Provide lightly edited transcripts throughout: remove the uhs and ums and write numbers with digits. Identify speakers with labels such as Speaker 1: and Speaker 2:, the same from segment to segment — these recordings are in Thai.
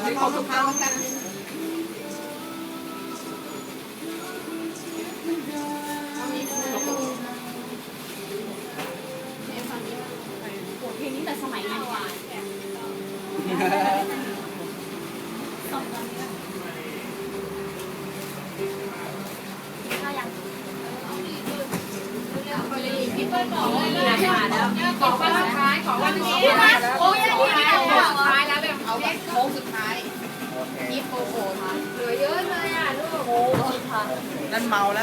Speaker 1: ขอบคุณครับกัน
Speaker 2: เพลงนี้แต่สมัยนั้นว่ะพี่เปิ้ลบอกเลยนะขอวันสุดท้ายขอวันนี้นะโอ้ยสุดท้ายแล้วแบบเอาแบบโค้งสุดท้ายนี่โอ้โหเหลือเยอะเลยอ่ะลูกโอ้ค่ะ
Speaker 1: นั่นเมาแล้ว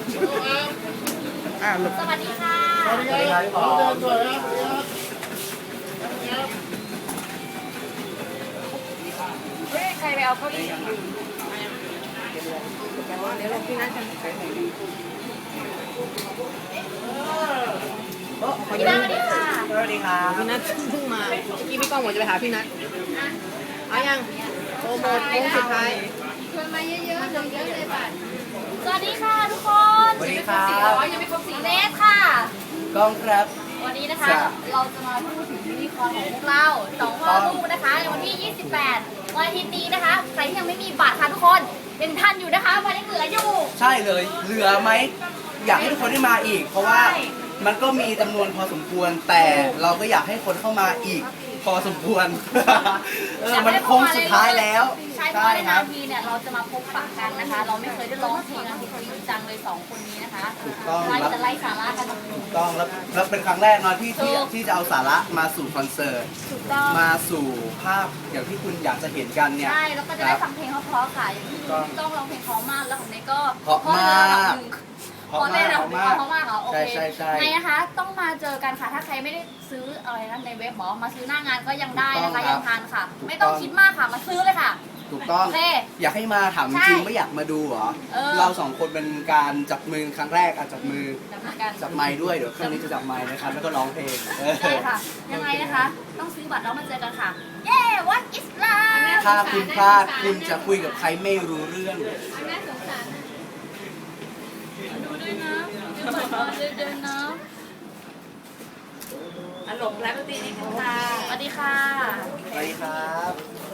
Speaker 2: สวัสดีค่ะ
Speaker 1: สวัสดีครับ
Speaker 2: ใครไปเอาเก้าอี้
Speaker 1: เดี๋ยวเราพี่นัทกัน
Speaker 2: พี่นัทสวัสดีค่ะ
Speaker 1: สวัสดีครับพี่นัทเพิ่งมาเมื่อกี้พี่ก้องบอกจะไปหาพี่นัทเอายังโปรโมทโค้งสุดท้าย
Speaker 2: ชวนมาเยอะๆเยอะเลยบัตรสวัสดีค่ะทุกคน
Speaker 1: สวัสดีครับ
Speaker 2: ยังไม่ครบ4เลสค่ะ
Speaker 1: ก้องครับ
Speaker 2: วันนี้นะคะเราจะมาพูดถึงยูนิคอร์นของพวกเรา2พ่อลูกนะคะในวันที่ 28 วันอาทิตย์นี้นะคะใครที่ยังไม่มีบัตรค่ะทุกคนยังทันอยู่นะคะวันนี้เหลืออยู่
Speaker 1: ใช่เลยเหลือไหมอยากให้ทุกคนได้มาอีกเพราะว่ามันก็มีจำนวนพอสมควรแต่เราก็อยากให้คนเข้ามาอีกพอสมควรมันโค้งสุดท้ายแล้ว
Speaker 2: ใช่เพราะว่าในนาทีเนี่ยเราจะมาพบปะกันนะคะ เราไม่เคยได้ร้องเพลงกันจริงจังเลย2คนนี้นะคะ
Speaker 1: ถูกต้อง
Speaker 2: จะไล่สาระกัน
Speaker 1: ถูกต้องแล้วเป็นครั้งแรกเนาะที่จะเอาสาระมาสู่คอนเสิร์ตมาสู่ภาพอย่างที่คุณอยากจะเห็นกันเนี่ย
Speaker 2: ใช่แล้วก็จะได้ฟังเพลงเพราะๆค่ะอย่างที่ต้องร้องเพลงเพราะมากแล้วของเนยก็
Speaker 1: เพราะมาก
Speaker 2: พอได้แล้วเพราะมากเหรอโอเค
Speaker 1: ใช่
Speaker 2: ไงนะคะต้องมาเจอกันค่ะถ้าใครไม่ได้ซื้ออะไรนะในเว็บหมอมาซื้อหน้างานก็ยังได้นะคะยังทันค่ะไม่ต้องคิดมากค่ะมาซื้อเลยค่ะ
Speaker 1: ถูกต้องอยากให้มาถามจริงไม่อยากมาดูเหรอเรา2คนเป็นการจับมือครั้งแรกจับมือจับไม้ด้วยเดี๋ยวครั้งนี้จะจับไม้นะครับแล้วก็ร้องเพลง
Speaker 2: ใช่ค่ะยังไงนะคะต้องซื้อบัตรแล้วมาเจอกันค่ะเย้ what is love
Speaker 1: ถ้าคุณพลาดคุณจะคุยกับใครไม่รู้เรื่อง
Speaker 2: น่าสงสารดูด้วยนะดูบัตรด้วยนะหลงแล้วตีนี่ค่ะสวัสดีค่ะ
Speaker 1: สวัสดีครับ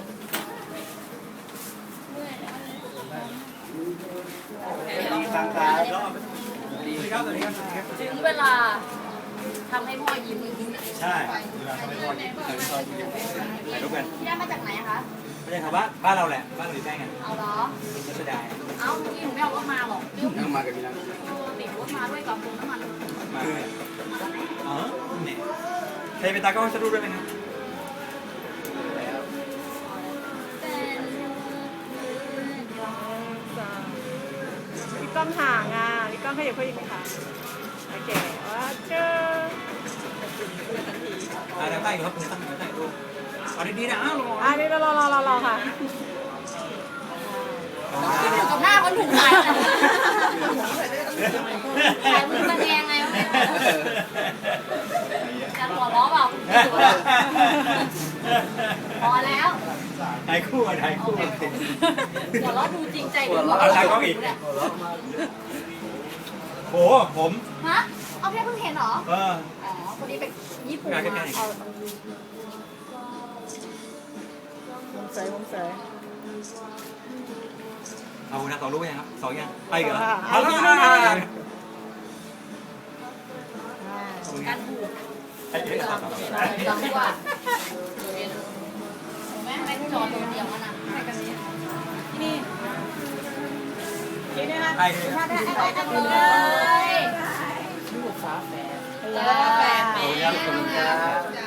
Speaker 1: ดีครับ
Speaker 2: ถึงเวลาทำให้พ่อยิ้ม
Speaker 3: ใช่เวลาทำให้พ่อยิ้มถ่ายรูปกัน
Speaker 2: พี่ได้มาจากไหนคะ
Speaker 3: ไม่ใช่ครับบ้านเราแหละบ้านเราอยู่ใกล้กัน
Speaker 2: เอาเหรอ
Speaker 3: รัชดา
Speaker 2: เอ้าพี่หนูไม่เอารถมาหรอก
Speaker 1: นั่งมากับพี่นัท
Speaker 2: ติดรถมาด้วยกับน้ำมัน
Speaker 3: อ๋อเนี่ยใครเป็นตากล้องจะรูปได้ไหมครับ
Speaker 4: พี่ก้องห่างอ่ะพี่ก้องขยับเพิ่มอีกไหมคะโอเคว่าเจอ
Speaker 3: ได้ได้ครับผมตั้งได้รูปเอาดีๆนะอ้าว
Speaker 4: นี่รอค่ะ
Speaker 2: กับหน้าคนถูกใจถ่ายมือมันแดงไงวะจะหัวล้อเปล่าพอแล้ว
Speaker 3: ถ่ายคู่
Speaker 2: หัวล้อดูจริงใจดู
Speaker 3: เอาถ่ายกล้องอีกโอ้ผม
Speaker 2: ฮะเอาแค่เพิ่งเห็นเหรออ๋อคนนี้เป็นญี่ปุ่น
Speaker 4: ผมเสย
Speaker 3: เอานะต่อรูปยังครับ2ยังไปเหรอ
Speaker 2: การถูกจังกว่าแม่ไม่จอดตัวเดียวมันอ่ะให้กันนี้นี่นะคะ
Speaker 3: ไป
Speaker 2: เลย
Speaker 1: ลูกฟ้าแฝด
Speaker 2: แฝด
Speaker 1: ขอบคุณครับ